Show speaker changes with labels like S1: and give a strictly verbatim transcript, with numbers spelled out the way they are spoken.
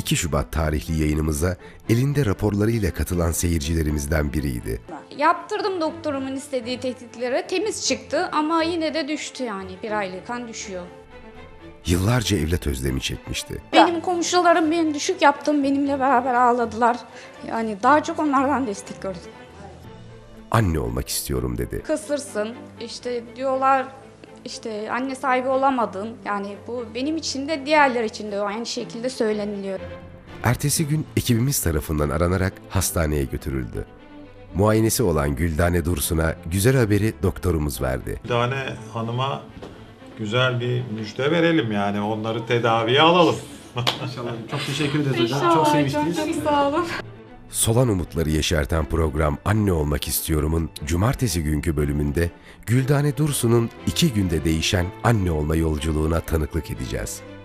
S1: iki Şubat tarihli yayınımıza elinde raporlarıyla katılan seyircilerimizden biriydi.
S2: Yaptırdım doktorumun istediği tetkikleri. Temiz çıktı ama yine de düştü yani. Bir aylık kan düşüyor.
S1: Yıllarca evlat özlemi çekmişti.
S2: Benim komşularım ben düşük yaptım. Benimle beraber ağladılar. Yani daha çok onlardan destek gördüm.
S1: Anne olmak istiyorum dedi.
S2: Kısırsın. İşte diyorlar işte anne sahibi olamadın. Yani bu benim için de diğerler için de aynı şekilde söyleniliyor.
S1: Ertesi gün ekibimiz tarafından aranarak hastaneye götürüldü. Muayenesi olan Güldane Dursun'a güzel haberi doktorumuz verdi.
S3: Güldane Hanım'a güzel bir müjde verelim yani onları tedaviye alalım.
S4: İnşallah. Çok teşekkür ederiz hocam. Çok sevmiştiniz.
S2: Çok sağ olun.
S1: Solan umutları yeşerten program Anne Olmak İstiyorum'un cumartesi günkü bölümünde Güldane Dursun'un iki günde değişen anne olma yolculuğuna tanıklık edeceğiz.